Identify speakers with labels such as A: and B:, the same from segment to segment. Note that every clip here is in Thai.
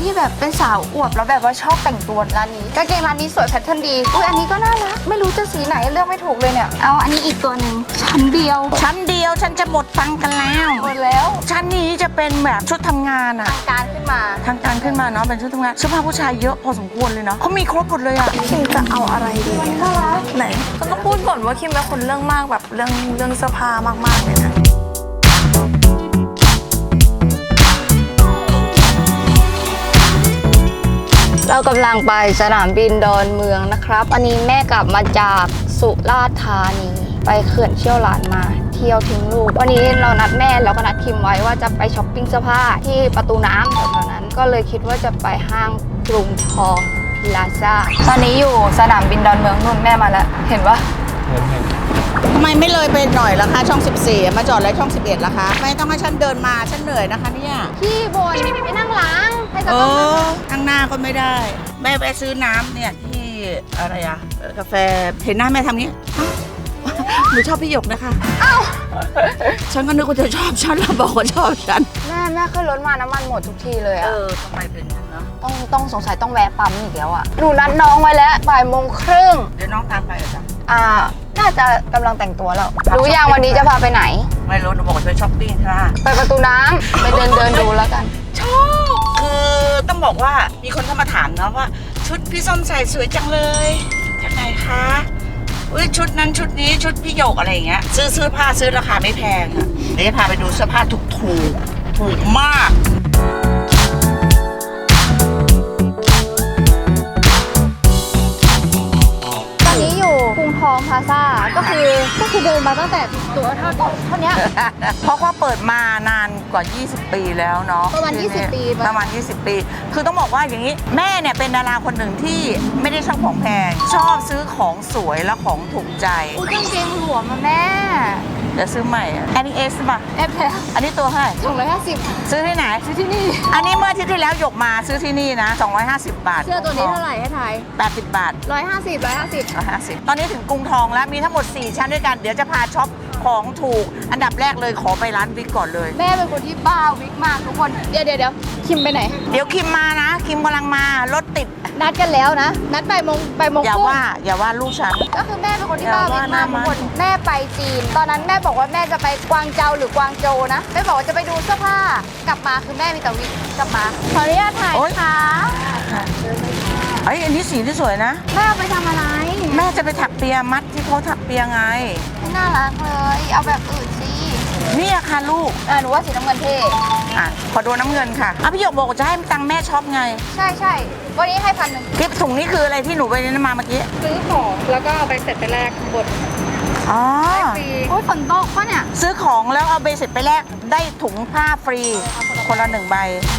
A: ที่แบบเป็นสาวอวบแล้วแบบว่าชอบแต่งตัวร้านนี้กางเกงร้านนี้สวยแพทเทิร์นดีอุ้ยอันนี้ก็น่ารักไม่รู้จะสีไหนเลือกไม่ถูกเลยเนี่ยเอาอันนี้อีกตัวหนึ่งชั้นเดียว
B: ฉันจะหมดตังค์กันแล้ว
A: หมดแล้ว
B: ชั้นนี้จะเป็นแบบชุดทำงานอะ
A: ทางการขึ้นมา
B: ทางการขึ้นมาเนาะเป็นชุดทำงานเสื้อผ้าผู้ชายเยอะพอสมควรเลยเนาะเขามีครบหมดเลยอะ
A: คิมจะเอาอะไรดีน่ารัก
B: ไหน
C: ก็ต้องพูดก่อนว่าคิมเป็นคนเรื่องมากแบบเรื่องเสื้อผ้ามากๆเลยนะ
A: เรากำลังไปสนามบินดอนเมืองนะครับอันนี้แม่กลับมาจากสุราษฎร์ธานีไปเขื่อนเชี่ยวหลานมาเที่ยวทิ้งลูกวันนี้เรานัดแม่แล้วก็นัดคิมไว้ว่าจะไปช้อปปิ้งเสื้อผ้าที่ประตูน้ำแถวๆนั้นก็เลยคิดว่าจะไปห้างกรุงทองพลาซ่าตอนนี้อยู่สนามบินดอนเมืองนุ่นแม่มาแล้วเห็นปะ
D: ทำไมไม่เลยไปหน่อยล่ะคะช่อง 14 มาจอดแล้วช่อง 11ล่ะคะไม่ต้องให้ฉันเดินมาฉันเหนื่อยนะคะเนี่ย
A: พี่บนไปนั่งล้างให้จะ
D: เอ
A: ต้อง
D: อข้างหน้าก็ไม่ได้แม่ไปซื้อน้ำเนี่ยที่อะไรอะกาแฟเห็นหน้าแม่ทำนี้อ้าวหนูชอบพี่หยกนะคะฉันก็นึกว่าจะชอบฉันแล้วบอกว่าชอบฉัน
A: แม่ขึ้นรถมาน้ำมันหมดทุกทีเลยอะ
D: ทำไมเป็นอย่างนั้นเนาะ
A: ต้องสงสัยต้องแวะปั๊มอีกแล้วอะหนูนัดน้องไว้แล้วบ่ายโมงครึ่ง
D: เดี๋ยวน้องตามไปเหรอจ๊ะ
A: น่าจะกำลังแต่งตัวแล้วรู้ยังวันนี้จะพาไปไหน
D: ไม่รู้หนูบอกว่าจะไปช้อปปิ้งใช่ไหม
A: ไปประตูน้ำไปเดินดูแล้วกัน
D: ชอบคือต้องบอกว่ามีคนเข้ามาถามนะว่าชุดพี่ส้มใส่สวยจังเลยจากไหนคะอุ้ยชุดนั้นชุดนี้ชุดพี่หยกอะไรอย่างเงี้ยซื้อเสื้อผ้าซื้อราคาไม่แพงอ่ะเดี๋ยวจะพาไปดูเสื้อผ้าถูกมาก
A: ตอนนี้อยู่กรุงทองพลาซ่าก็คือเดินมาตั้งแต่ตัวเท่านี้
B: เพราะว่าเปิดมานานกว่า 20 ปีแล้วเนาะ
A: ประมาณ20 ปีปะ
B: ประมาณ 20 ปี คือต้องบอกว่าอย่างนี้แม่เนี่ยเป็นดาราคนหนึ่งที่ไม่ได้ชอบของแพงชอบซื้อของสวยและของถูกใจ
A: อุ้ยกางเกงหลวมมาแม่
B: เดี๋ยวซื้อใหม่อะอันนี้เอสป่ะ
A: แอบแล้ว
B: อันนี้ตัวเท่าไหร่
A: 250
B: ซื้อที่ไหน
A: ซื้อที่นี่
B: อันนี้เมื่ออาทิตย์ที่แล้วหยกมาซื้อที่นี่นะ 250 บาท
A: เสื้อตัวนี้เท่าไหร่ให้ทาย
B: 80 บาท
A: 150
B: ตอนนี้ถึงกรุงทองแล้วมีทั้งหมด 4 ชั้นด้วยกัน เดี๋ยวจะพาช็อปของถูก อันดับแรกเลยขอไปร้านวิกก่อนเลย
A: แม่เป็นคนที่บ้าวิกมากทุกคนเดี๋ยวคิมไปไหน
B: เดี๋ยวคิมมานะ คิมกำลังมารถติด
A: นัดกันแล้วนะ นัดบ่ายโมง
B: อย่า
A: ครึ่ง
B: อย่าว่าลูกฉัน
A: ก็คือแม่เป็นคนที่บ้า
B: อย่า
A: วิ
B: ว่าก ห
A: มา
B: น้าก
A: ทุ
B: มั
A: ก
B: น
A: คนแม่ไปจีน ตอนนั้นแม่บอกว่าแม่จะไปกวางเจาหรือกวางโจวนะแม่บอกว่าจะไปดูเสื้อผ้ากลับมาคือแม่มีแต่วิกกลับมาขออนุญาตถ่ายค่ะ
B: เอ้ยอันนี้สีที่สวยนะ
A: แม่เอาไปทำอะไร
B: แม่จะไปถักเปียมัดที่เขาถักเปียไง
A: ไม่น่ารักเลยเอาแบบอื่นสิ
B: นี่อะค่ะลูก
A: หนูว่าสีน้ำเงินเท่
B: อ่ะขอดูน้ำเงินค่ะอ่ะพี่หยกบอกว่าจะให้ตังค์แม่ช็อปไง
A: ใช่วันนี้ให้1,000
B: คลิปถุงนี้คืออะไรที่หนูไปนั่นมาเมื่อกี้
C: ซื้อของแล้วก็เอาไปเสร็จไปแลกบท
B: อ๋อ
C: ฟรี
A: โอ้ยฝนตกปะเนี่ย
B: ซื้อของแล้วเอาเบสิกไปแลกได้ถุงผ้าฟรี คนละ1 ใบ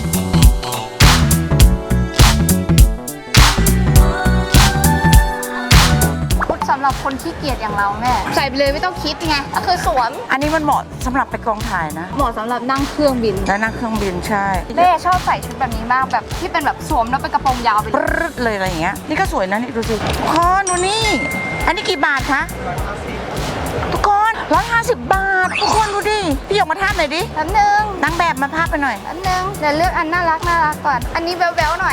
A: สำหรับคนขี้เกียจอย่างเราแม่ใส่ไปเลยไม่ต้องคิดไงก็คือสวม
B: อันนี้มันเหมาะสำหรับไปกองถ่ายนะ
A: เหมาะสำหรับนั่งเครื่องบิน
B: แล้วนั่งเครื่องบินใช่
A: แม่ชอบใส่ชุดแบบนี้มากแบบที่เป็นแบบสวมแล้วเป็นกระโปรงยาวไป
B: ปรึ๊ดเลยอะไรอย่างเงี้ย นี่ก็สวยนะนี่ดูสิทุกคนดูนี่ อันนี้กี่บาทคะทุกคน150 บาท ทุกคนดูดิ พี่หยกมาทาบหน่อยดิ
A: แป๊บนึง
B: นางแบบมาภาพไปหน่อย
A: เดี๋ยวเลือกอันน่ารักก่อน อันนี้แบ๊วๆหน่อย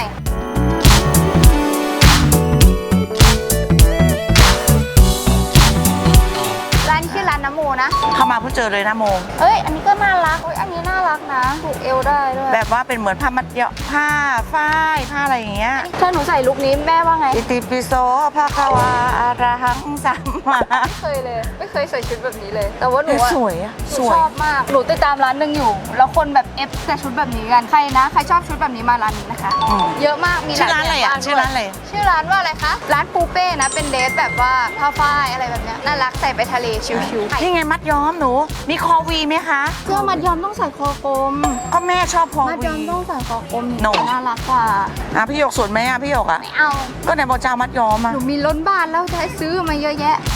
A: ร้านชื่อร้านน้ำโมนะ
B: เข้ามาเพิ่งเจอเลยนะโม
A: เอ้ยอันนี้ก็น่ารักอันนี้น่ารักนะผูกเอวได้ด้วย
B: แบบว่าเป็นเหมือนผ้ามัดเยาะผ้าฝ้ายผ้าอะไรอย่างเงี้ย
A: ถ้าหนูใส่ลุคนี้แม่ว่าไง
B: อิติปิโสภะคะวาอะระหังสัมมา
A: ไม่เคยเลย ไม่เคยใส่ชุดแบบนี้เลย แต่ว่าหนูอะ
B: สวยอะ
A: หนู
B: สวย
A: ชอบมาก หนูติดตามร้านหนึ่งอยู่ แล้วคนแบบเอฟแต่ชุดแบบนี้กัน ใครนะ ใครชอบชุดแบบนี้มาร้านนี้นะคะ เยอะมาก มีห
B: ชื่
A: ลา
B: อย ร้านอะไร
A: แบบ
B: อ่ะ
A: มก
B: ชื่อร้านอะไร
A: ด้วยชื่อร้านว่าอะไรคะ ร้านปูเป้นะ เป็นเดรสแบบว่าผ้าฝ้ายอะไรแบบเนี้ยน่ารักใส่ไปทะเลชิวๆ
B: นี่ไงมัดย้อมหนู มีคอวีไหมคะ
A: เสื้อมัดยอมต้องใส่คอกลม
B: ก็แม่ชอบคอ
A: มัด
B: วี
A: ยอมต้องใส่คอกลม
B: โน่
A: น่ารักกว่า
B: อ่ะพี่หยกสวยไหมอ่ะพี่หยกอ่ะ
A: ไม่เอา
B: ก็ไหนบอกจะเอามัดย้อมอ่ะ
A: หนูมีล้นบ้านแล้วจะให้ซื้อมาเยอะแยะ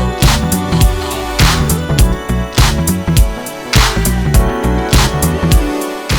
B: อ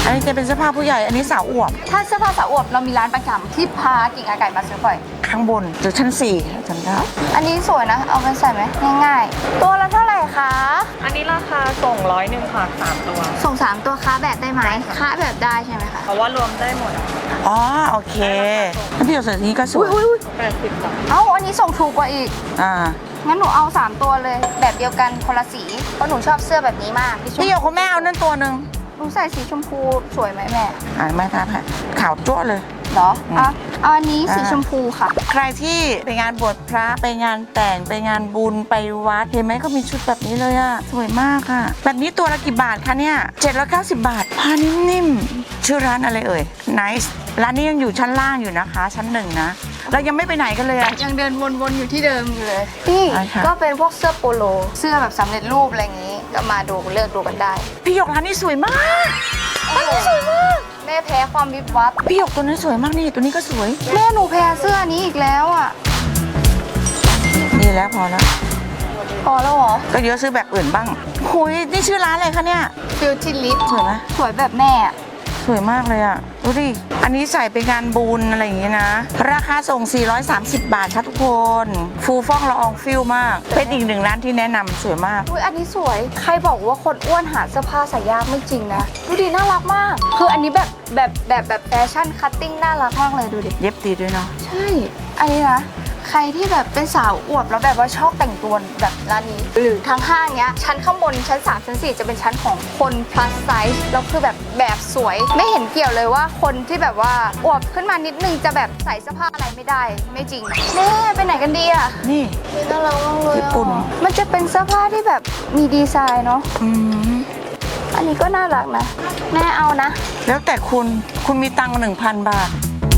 B: อันนี้จะเป็นเสื้อผ้าผู้ใหญ่ อันนี้สาวอวบ
A: ถ้าเสื้อผ้าสาวอวบเรามีร้านประจำที่พากิ่งอาไก่มาซื้อบ่อย
B: ข้างบนหรือชั้น4จำได้
A: อันนี้สวยนะ เอาไปใส่ไหมง่ายๆ ตัวละเท่าไหร่คะ
C: อันนี้ราคาส่ง101ค่ะ3ตัว
A: ส่ง3ตัวค้าแบบได้ไหมค้าแบบได้ใช่ไหมคะ
C: เพราะว่ารวมได้หมดอะ
B: อ๋อโอเคแล้วพี่หยกใส่นี้ก็สวย
C: 80บาท
A: เอ้าอันนี้ส่งถูกกว่าอีก
B: อ่า
A: งั้นหนูเอา3ตัวเลยแบบเดียวกันคนละสีเพราะหนูชอบเสื้อแบบนี้มากพี่ชม
B: พี่หยกคุณแม่เอานั่นตัวหนึ่ง
A: หนูใส่สีชมพูสวยไหมแม่
B: ไม่ทันค่ะขาวจั่วเลย
A: เหรอเอาอันนี้สีชมพูค่ะ
B: ใครที่ไปงานบวชพระไปงานแต่งไปงานบุญไปวัดเห็นไหมเขามีชุดแบบนี้เลยอะสวยมากค่ะ แบบนี้ตัวละกี่บาทคะเนี่ย790 บาทผ้านิ่มๆชื่อร้านอะไรเอ่ย Nice ร้านนี้ยังอยู่ชั้นล่างอยู่นะคะ ชั้น1นะเรายังไม่ไปไหนกันเลยอะ
A: ยังเดินวนๆอยู่ที่เดิมอยู่เลยนี่
B: ใช่ค่ะ
A: ก็เป็นพวกเสื้อโปโล เสื้อแบบสำเร็จรูปอะไรอย่างนี้ ก็มาดูเลือกดูกันได้
B: พี่หยกร้านนี้สวยมากร้านนี้สวยมาก
A: แม่แพ้ความวิบวับ
B: พี่หยกตัวนี้สวยมากนี่ตัวนี้ก็สวย
A: แม่หนูแพ้เสื้อนี้อีกแล้วอ่ะ
B: นี่แล้วพอแล้ว
A: พอแล้วเหรอ
B: ก็เดี๋ยวซื้อแบบอื่นบ้างคุยนี่ชื่อร้านอะไรคะเนี่ย
A: ฟิลทิลิป
B: สวยไหม
A: สวยแบบแม่อะ
B: สวยมากเลยอ่ะ ดูดิ อันนี้ใส่ไปงานบุญอะไรอย่างเงี้ยนะ ราคาส่ง 430 บาทค่ะทุกคน ฟูฟ่องละอองฟิลมาก เป็นอีกหนึ่งร้านที่แนะนำสวยมาก
A: อุ้ยอันนี้สวย ใครบอกว่าคนอ้วนหาเสื้อผ้าใส่ยากไม่จริงนะ ดูดิน่ารักมาก คืออันนี้แบบแฟชั่นคัตติ้งน่ารักมากเลยดูดิ
B: เย็บตีด้วยเนาะ
A: ใช่ อันนี้นะ ใครที่แบบเป็นสาวอวบแล้วแบบว่าชอบแต่งตัวแบบร้านนี้ หรือทางห้างเนี้ย ชั้นข้างบนชั้น3ชั้น4จะเป็นชั้นของคน plus size แล้วคือแบบสวย ไม่เห็นเกี่ยวเลยว่าคนที่แบบว่าอวบขึ้นมานิดนึงจะแบบใส่เสื้อผ้าอะไรไม่ได้ ไม่จริงแม่ไปไหนกันดีอะ
B: นี่
A: น่ารักมากเลย
B: ญี่ปุ่น
A: มันจะเป็นเสื้อผ้าที่แบบมีดีไซน์เนาะ
B: อืม
A: อันนี้ก็น่ารักนะ แม่เอานะ
B: แล้วแต่คุณมีตังค์1,000 บาท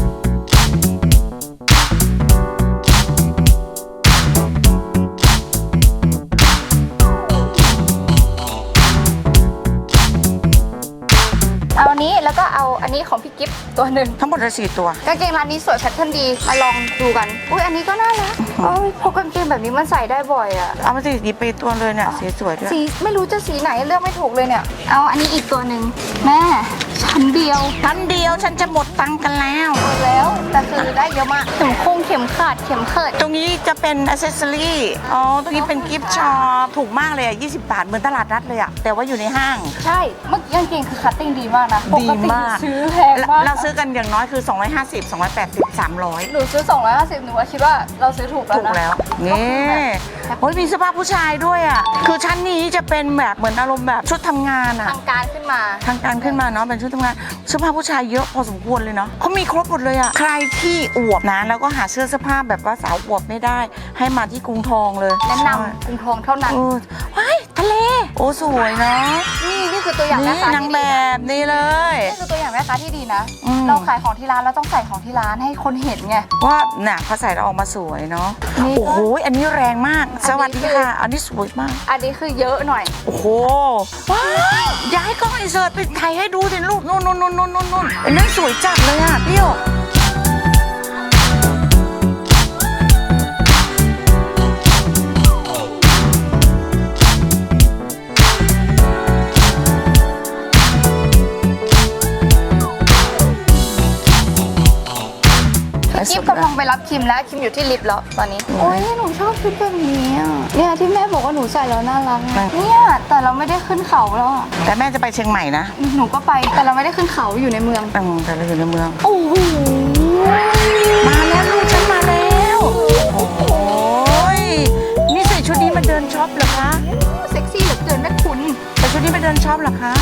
A: เอาอันนี้แล้วก็เอาอันนี้ของพี่กิฟต์ตัวหนึ่ง
B: ทั้งหมดเลย4ตัว
A: กางเกงร้านนี้สวยแพทเทิร์นดี มาลองดูกัน อุ้ยอันนี้ก็น่ารักพกกางเกงแบบนี้มันใส่ได้บ่อยอะ
B: เอามาสิหยิบไปตัวเลยเนี่ยสีสวยด้วย
A: สีไม่รู้จะสีไหนเลือกไม่ถูกเลยเนี่ย เอาอันนี้อีกตัวหนึ่งแม่ชั้นเดียว
B: ชั้นเดียวฉันจะหมดตังค์กันแล้ว
A: หมดแล้วแต่คือได้เยอะมากเข็มคงเข็มขัดเข็มเขิด
B: ตรงนี้จะเป็นอ c เซสซอรี่ อ๋อ ตรงนี้เป็นกิฟต์ช็อป ถูกมากเลยอ่ะ 20 บาท เหมือนตลาดนัดเลยอ่ะ แต่ว่าอยู่ในห้าง
A: ใช่เมื่อกี้กางเกงคือคัตติ้งดีมากนะป
B: ดี
A: กติ
B: มาก
A: ซื้อแพงมาก
B: เราซื้อกันอย่างน้อยคือ 250 280 300
A: หนูซื้อ250หนูว่าคิดว่าเราซื้อถูกแล้ว
B: ถูก
A: นะ
B: แล้ว นี่โอ้ยมีเสื้อผ้าผู้ชายด้วยอ่ะ คือชั้นนี้จะเป็นแบบเหมือนอารมณ์แบบชุดทำงานอ่ะ
A: ทางการขึ้นมา
B: ทางการขึ้นมาเนาะเป็นชุดทำงานเสื้อผ้าผู้ชายเยอะพอสมควรเลยเนาะเขามีครบหมดเลยอะใครที่อวบนะแล้วก็หาเสื้อผ้าแบบว่าสาวอวบไม่ได้ ให้มาที่กรุงทองเลย
A: แนะนำกรุงทองเท่านั้น
B: เออว้ายทะเล โอ้สวยเนาะ
A: นี่คือตัวอย่างแม่
B: นี่
A: ค้าน
B: าง
A: ที่
B: แบ
A: ดีนะ
B: บนี่เลย
A: นี่คือตัวอย่างแม่ค้าที่ดีนะ
B: อืม
A: เราขายของที่ร้านเราต้องใส่ของที่ร้านให้คนเห็นไง
B: ว่าน่ะพอใส่แล้วออกมาสวยเนาะ
A: นี่ก็
B: โอ้โหอันนี้แรงมาก
A: อันนี้
B: สวัสดีค่ะ อันนี้สวยมาก
A: อันนี้คือเยอะหน่อย
B: โอ้โหว้ายอย่าให้กล้องอินเสิร์ตไปถ่ายให้ดูสิลูกนู่นอันนั้นสวยจัดเลยอะพี่หยก
A: คิมกำลังไปรับคิมแล้วคิมอยู่ที่ลิฟต์แล้วตอนนี้โอ้ยหนูชอบชุดแบบนี้อ่ะเนี่ยที่แม่บอกว่าหนูใส่แล้วน่ารักอะเนี่ยแต่เราไม่ได้ขึ้นเขาแล้วอ่ะ
B: แต่แม่จะไปเชียงใหม่นะ
A: หนูก็ไปแต่เราไม่ได้ขึ้นเขาอยู่ในเมือง
B: แต่เราอยู่ในเมือง
A: โอ้โห
B: มาแล้วลูกฉันมาแล้ว โอ้โหยนี่ใส่ชุดนี้มาเดินช็อปเหรอคะ
A: เซ็กซี่เหลือเกินแม่คุณ
B: ใส่ชุดนี้มาเดินช็อปเหรอคะ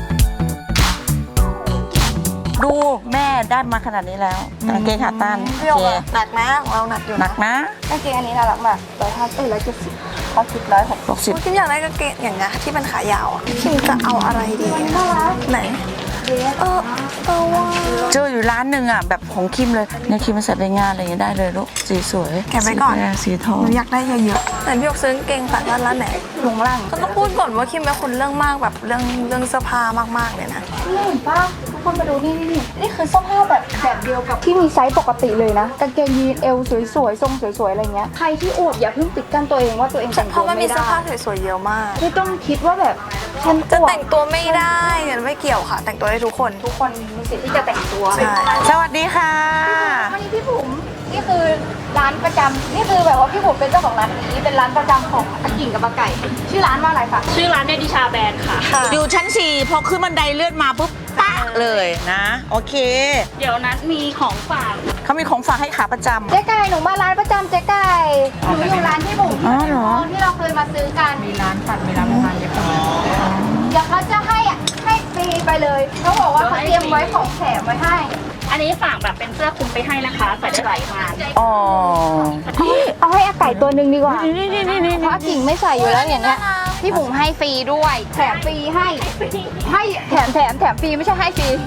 B: ดูแม่ได้มาขนาดนี้แล้วกางเกงขาตั้น
C: พี่หยกอะหนักนะของเราหนักอยู่
B: หนักนะ
A: กางเกงอันนี้น่ารักมาก170เขาคิด160
B: 60
C: คิมอยากได้กางเกงอย่างเงี้ยที่เป็นขายาวอ่ะคิมจะเอาอะไรดี
A: น่ารัก
C: ไหนว่า
B: เจออยู่ร้านหนึ่งอ่ะแบบของคิมเลยเนี่ยคิมมาใส่ไปงานอะไรอย่างเงี้ยได้เลยลูกสีสวย
C: แกะไว้ก่อน
B: สีทอง
C: หนูอยากได้เยอะๆไหนพี่หยกซื้อกางเกงขาสั้นร้านไหน
A: ลงล่าง
C: ก็ต้องพูดก่อนว่าคิมเป็นคนเรื่องมากแบบเรื่องเสื้อผ้ามากๆเลยนะ
A: นี่เห็นปะทุกคนมาดูนี่คือเสื้อผ้าแบบเดียวกับที่มีไซส์ปกติเลยนะกางเกงยีนเอวสวยๆทรงสวยๆอะไรเงี้ยใครที่อวดอย่าเพิ่งปิดกั้นตัวเองว่าตัวเองแต่ง
C: เพ
A: ตัว
C: ราะมันมี
A: ไม่
C: เสื้อ
A: ได้
C: ผ้าสวยๆเยอะมาก
A: ไม่ต้องคิดว่าแบบฉัน
C: จะ
A: อวด
C: แต่งตัวไม่ได้เนี่ยไม่เกี่ยวค่ะ แต่งตัวได้ทุกคน
A: ทุกคนมีสิทธิ์ที่จะแต่งตัว
C: ใช่
B: สวัสดีค่ะ
A: วันนี้พี่บุ๋มนี่คือร้านประจำนี่คือแบบว่าพี่บุ๋มเป็นเจ้าของร้านนี้เป็นร้านประจำของอากิ่งกับอาไก่ ชื่อร้านว่าอะไรคะ
E: ชื่อร้านเนดิชาแบรนด์ค่ะ
B: อยู่ชั้น 4 พอขึ้นบันไดเลื่อนมาปุ๊บปะเลยนะ โอเค
E: เดี๋ยวนัดมีของฝาก
B: เขามีของฝากให้ขาประจำ
A: เจ๊ไก่หนูมาร้านประจำเจ๊ไก่หนูอยู่ร้านพี่บุ๋ม
B: อ๋อเหรอ
A: ที่เราเคยมาซื้อกันมีร้านผัดมีร้านอาหารเดี๋ยวเขาจะให้ฟรีไปเลยเขาบอกว่าเขาเตรียมไว้ของแถมไว้ให้
E: อันนี้ฝากแบบเป็นเสื้อคลุมไปให้นะคะ ใส่ได้หลายงาน
B: อ๋อ
A: เอาให้อาไก่ตัวหนึ่งดีกว่าเพราะอากิ่งไม่ใส่อยู่แล้วอย่างเงี้ยพี่บุ๋มให้ฟรีด้วยแถมฟรีให้แถมฟรีไม่ใช่ให้ฟรี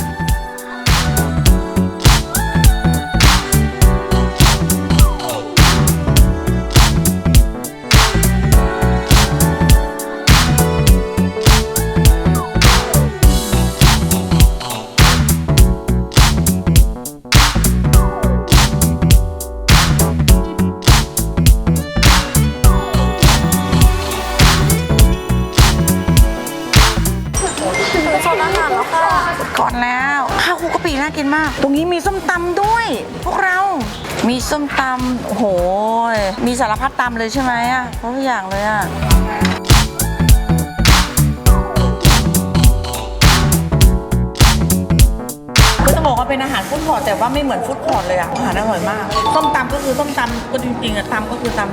C: ถึงโซนอาหารแล้วค่ะ
B: ก่อนแล้วข้าวคลุกกะปิน่ากินมาก ตรงนี้มีส้มตำด้วย พวกเรา มีส้มตำโอ้โห มีสารพัดตำเลยใช่ไหมอ่ะทุกอย่างเลยอ่ะ ก็จะบอกว่าเป็นอาหารฟู้ดคอร์ทแต่ว่าไม่เหมือนฟู้ดคอร์ทเลยอ่ะ อาหารอร่อยมาก ส้มตำก็คือส้มตำก็จริงๆอ่ะตำก็คือตำ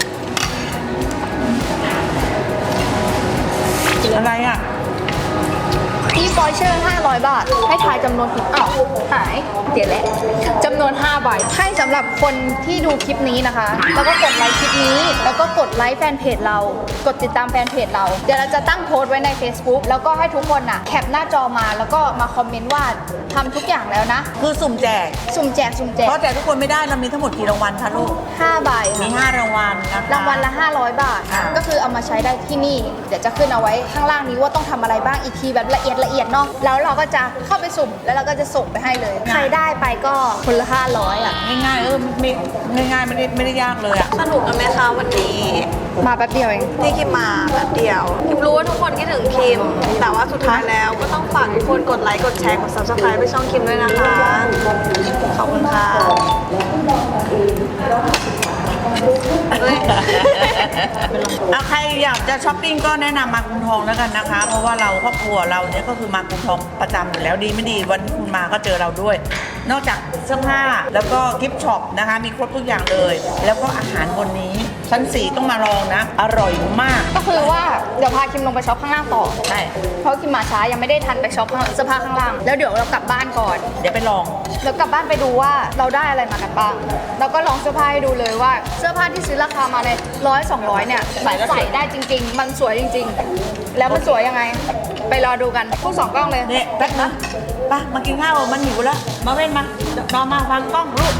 B: อะไรอ่ะ
A: อีฟอยเชอร์500 บาท ให้ทายจำนวนผิดอ้าวหายเดี๋ยวแหละจำนวน5ใบให้สำหรับคนที่ดูคลิปนี้นะคะ แล้วก็กดไลค์คลิปนี้ แล้วก็กดไลค์แฟนเพจเรา กดติดตามแฟนเพจเรา เดี๋ยวเราจะตั้งโพสต์ไว้ใน Facebook แล้วก็ให้ทุกคนน่ะแคปหน้าจอมาแล้วก็มาคอมเมนต์ว่าทำทุกอย่างแล้วนะ
B: คือสุ่มแจก
A: สุ่มแจก
B: เพราะแจกทุกคนไม่ได้เรามีทั้งหมดกี่รางวัลคะลูก
A: 5ใบ
B: มี
A: ค่ะ
B: 5 รางวัลนะคะ
A: รางวัลละ 500 บาท
B: อ่า
A: ก็คือเอามาใช้ได้ที่นี่ เดี๋ยวจะขึ้นเอาไว้ข้างล่างนี้ว่าต้องทำอะไรบ้างอีกทีแบบละเอียดเนาะ แล้วเราก็จะเข้าไปสุ่ม แล้วเราก็จะส่งไปให้เลย ใครได้ไปก็คนละ 500 อ่ะ
B: ง่ายๆไม่ง่ายๆไม่ได้ยากเลยอ่ะ
C: สนุกกันไหมคะวันนี้
A: มาแป๊บเดียวเอง
C: ที่คิมมาแบบเดียวคิมรู้ว่าทุกคนคิดถึงคิม แต่ว่าสุดท้ายแล้วก็ต้องฝากทุกคนกดไลค์กดแชร์กด subscribe ไปช่องคิมด้วยนะคะ ขอบคุณค่ะเฮ้ย
B: เอาใครอยากจะช้อปปิ้งก็แนะนำมากรุงทองแล้วกันนะคะ เพราะว่าเราครอบครัวเราเนี่ยก็คือมากรุงทองประจำอยู่แล้วดีไม่ดีวันที่คุณมาก็เจอเราด้วย นอกจากเสื้อผ้าแล้วก็กิฟต์ช็อปนะคะ มีครบทุกอย่างเลย แล้วก็อาหารบนนี้ชั้น 4 ต้องมาลองนะ อร่อยมาก
A: ก็คือว่าเดี๋ยวพาคิมลงไปช็อปข้างล่างต่อ
B: ใช่
A: เพราะคิมมาช้ายังไม่ได้ทันไปช็อปเสื้อผ้าข้างล่าง แล้วเดี๋ยวเรากลับบ้านก่อน
B: เดี๋ยวไปลอง
A: แล้วกลับบ้านไปดูว่าเราได้อะไรมากันบ้าง แล้วก็ลองเสื้อผ้าให้ดูเลยว่า เสื้อผ้าที่ซื้อราคามาใน100-200เนี่ย
B: ใส่แล้วสวย
A: ใส่ได้จริง ๆ มันสวยจริง ๆ แล้วมันสวยยังไง ไปรอดูกันพูด2กล้องเลย
B: เนี่ยแป๊บนะไปมากินข้าวมันหิวแล้ว มาเว้นมารอมาฟังกล้องลูก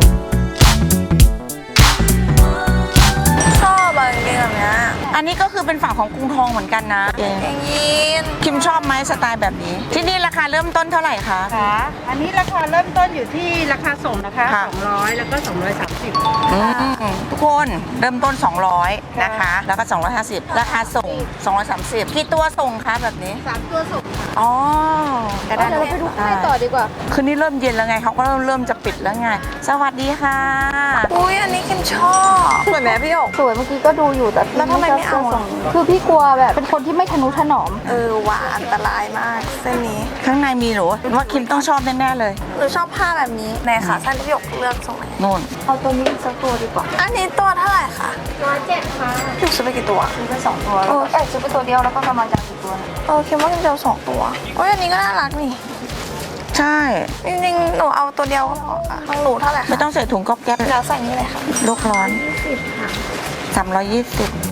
C: ชอบอะไรเงี้ยแบบเนี้ย
B: อันนี้ก็คือเป็นฝั่งของกรุงทองเหมือนกันนะ
C: เกงยีน
B: คิมชอบไหมสไตล์แบบนี้ ที่นี่ราคาเริ่มต้นเท่าไหร่คะ
F: ค่ะอันนี้ราคาเริ่มต้นอยู่ที่ราคาส่งนะคะ
B: ค่ะ
F: 200 แล้วก็ 230
B: ทุกคนเริ่มต้น 200 นะคะ แล้วก็ 250 ราคาส่ง 230 กี่ตัวส่งคะแบบนี้
A: 3 ตัวส่งค่ะ
B: อ๋อก็ได้
A: เดี๋ยวเราไปดูข้างในต่อดีกว่า
B: คืนนี้เริ่มเย็นแล้วไงเขาก็เริ่มจะปิดแล้วไง สวัสดีค่ะ
C: อุ้ยอันนี้คิมชอบสวยไหมพี่หยก
A: สวยเมื่อกี้ก็ดูอยู่แต่
C: แล้วทำไมไม่เอาอะ
A: คือพี่กลัวแบบเป็นคนที่ไม่ทะนุถนอม
C: หวานอันตรายมากเส้นนี้
B: ข้างในมีหรอว่าคิมต้องชอบแน่ๆเลย
C: หนูชอบผ้าแบบนี้ในขาสั้นที่หยกเลือกทรงไหน
B: นู่น
A: เอาตัวนี้สักตัวดีกว่า
C: อันนี้ตัวเท่าไหร่คะ
A: 107ค่ะ
C: หยกซื้อไปกี่ตัว
A: ซื้อไป2ตัวซื้อไปตัวเดียวแล้วก็กำลังจะเอาอีกตัวนึง
C: คิดว่าคิมจะเอา2 ตัวโอ้ยอันนี้ก็น่ารักนี่
B: ใช่
C: จริงๆหนูเอาตัวเดียวก็พอค่ะของหนูเท่าไหร่
B: ไม่
C: คะ
B: ต้องใส่ถุงก๊อบแก๊บ
C: แล้วใส่นี่เลยค่ะ
B: โลกร้อน320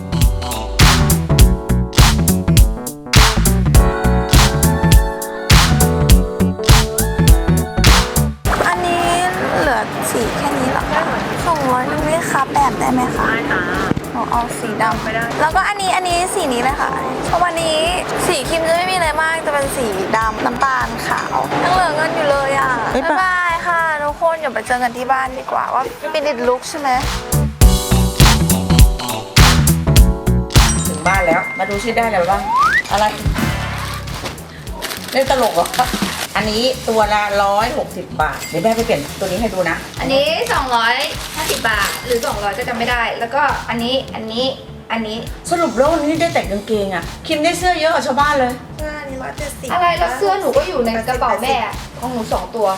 C: อันนี้เหลือสีแค่นี้เหรอคะ200นึงไม่คะแบบได้ไหมคะ
E: ได้ค่ะ
C: หนูอ๋อสีดำไม่ได้ แล้วก็อันนี้สีนี้เลยค่ะเพราะวันนี้สีครีมจะไม่มีอะไรมากจะเป็นสีดำน้ำตาลขาวยังเหลือเงินอยู่เลยอ่ะบ๊ายบายค่ะทุกคนอย่าไปเจอกันที่บ้านดีกว่าว่าเป็นดิดลุกใช่ไหม
D: ถึงบ้านแล้ว มาดูชื่อได้อะไรบ้าง อะไร เล่นตลกเหรอ อันนี้ตัวละ160 บาท เดี๋ยวแม่ไปเปลี่ยนตัวนี้ให้ดูนะ
A: อันนี้ 250 บาท หรือ 200 ก็จำไม่ได้ แล้วก็อันนี้
D: สรุปแล้ววันนี้ได้แต่งกางเกงอะคิมได้เสื้อเยอะกว่าชาวบ้านเลย
C: เสื้ออันนี้170
A: อะไรแล้วเสื้อหนูก็อยู่ในกระเป๋าแม่ของหนู 2 ตัว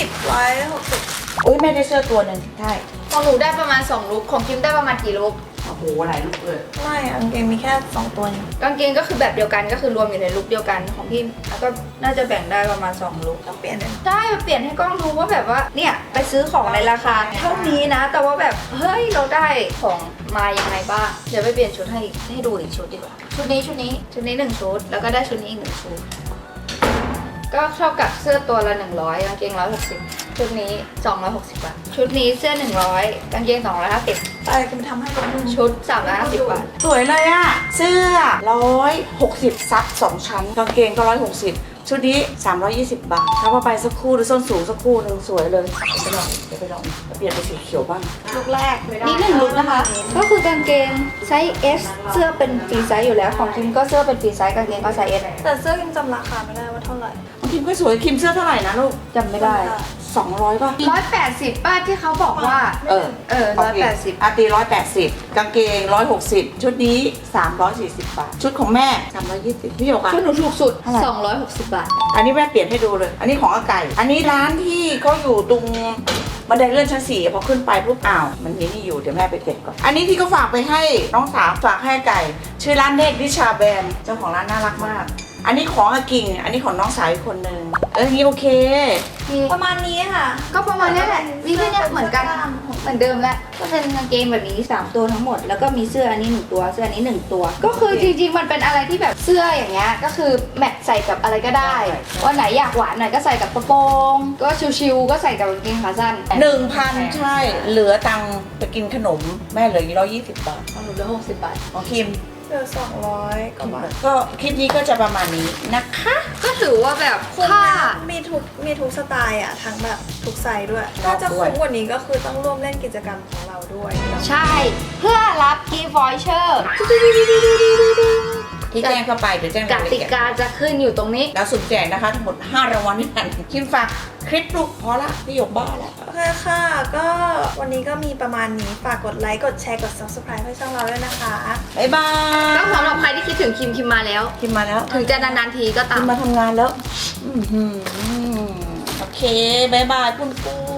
C: 160
D: อุ้ยแม่ได้เสื้อตัวหนึ่งใช่
A: ของหนูได้ประมาณ 2 ลุคของคิมได้ประมาณกี่ลุค
D: โอ้โหหลายลูกเลย
C: ไม่กางเกงมีแค่2ตัวเอง
A: กางเกงก็คือแบบเดียวกันก็คือรวมอยู่ในลุคเดียวกันของพี่แล้วก็น่าจะแบ่งได้ประมาณ2ลุค
C: ต้องเปลี่ยนเลย
A: ใช่มาเปลี่ยนให้กล้องดูว่าแบบว่าเนี่ยไปซื้อของในราคาเท่านี้นะ แต่ว่าแบบเฮ้ยเราได้ของมายังไงบ้างเดี๋ยวไปเปลี่ยนชุดให้ดูอีกชุดดีกว่าชุดนี้1ชุดแล้วก็ได้ชุดนี้อีก1ชุดก็เท่ากับเสื้อตัวละ100กางเกง160ชุดนี้260 บาทชุดนี้เสื้อ100กางเกง250
C: อะไรก็ไปทำให้กับมึง
A: ชุด350 บาท
D: สวยเลยอะเสื้อ160ซับ2ชั้นกางเกงก็160ชุดนี้320 บาทถ้าว่าไปสักคู่หรือส้นสูงสักคู่หนึงสวยเลยเดี๋ยวไปลองเปลี่ยนไปสีเขียวบ้าง
C: ลุกแรก
A: นี่1ลุคนะคะ ก็คือกางเกงไซส์ S เสื้อเป็นฟรีไซส์อยู่แล้วของคิมก็เสื้อเป็นฟรีไซส์กางเกงก็ไซส์ S
C: แต่เสื้อยังจำราคาไม่ได้ว่าเท่าไหร่
D: ของคิมก็สวยคิมเสื้อเท่าไหร่นะลูก
A: จำไม่ได้
D: 200ป่ะ
A: 180ป้าที่เขาบอกว่า 180
D: อาตี180กางเกง160ชุดนี้340 บาท ชุดของแม่320พี่หยกอะ
A: ชุดหนูถูกสุด
D: เท่าไหร่
A: 260 บาท
D: อันนี้แม่เปลี่ยนให้ดูเลย อันนี้ของอาไก่ อันนี้ร้านที่เขาอยู่ตรงบันไดเลื่อนชั้น4พอขึ้นไปปุ๊บอ้าวมันมีนี่อยู่เดี๋ยวแม่ไปเก็บก่อน อันนี้ที่เขาฝากไปให้น้องสาวฝากให้อาไก่ ชื่อร้านเนกดิชาแบนเจ้าของร้านน่ารักมาก อันนี้ของอากิ่ง อันนี้ของน้องสาวอีกคนนึงนี่โอเค
C: ประมาณนี้ค่ะ
A: ก็ประมาณนี้แหละวิธีเนี้ยเหมือนกันเหมือนเดิมแหละก็เป็นกางเกงแบบนี้3ตัวทั้งหมดแล้วก็มีเสื้ออันนี้1ตัวเสื้ออันนี้1ตัว ก็คือจริงๆมันเป็นอะไรที่แบบเสื้ออย่างเงี้ยก็คือแมทใส่กับอะไรก็ได้วันไหนอยากหวานหน่อยก็ใส่กับกระโปรงก็ชิวๆก็ใส่กับกางเกงขาสั้น
D: 1,000 ใช่ เหลือตังค์ไปกินขนมแม่เหลือ120 บาท
A: ของหนูเหลือ60 บาท
D: ของคิม
C: เหลือ200กว่าบาท
D: ก็คลิปนี้ก็จะประมาณนี้นะคะ
A: ก็ถือว่าแบบ
C: คุ้ม
A: ค่า
C: นะมีทุกสไตล์อ่ะ ทั้งแบบทุกไซส์ด้วย ถ้าจะคุ้มกว่านี้ก็คือต้องร่วมเล่นกิจกรรมของเราด้วย
A: ใช่ เพื่อรับกิฟต์วอยเชอร์
D: ที่แจ้งเข้าไปเดี๋ยวแจ้ง
A: ก
D: รายละ
A: ติ
D: เอียด
A: กาจะขึ้นอยู่ตรงนี้
D: แล้วสุ่มแจกนะคะ ทั้งหมด5รางวัลด้วยกันคิมฝากคลิปลูกพอละพี่หยกบ้าแล้ว
C: โอเคค่ะ ก็วันนี้ก็มีประมาณนี้ ฝากกดไลค์ กดแชร์ กด subscribe ให้ช่องเราด้วยนะคะ
D: บ๊ายบาย
A: ก็สำหรับใครที่คิดถึงคิมมาแล้ว
D: คิมมาแล้ว
A: ถึงจะนานๆทีก็ตา
D: คิ
A: ม
D: มมาทำงานแล้ว โอเค บ๊ายบายปุ้นปุ้น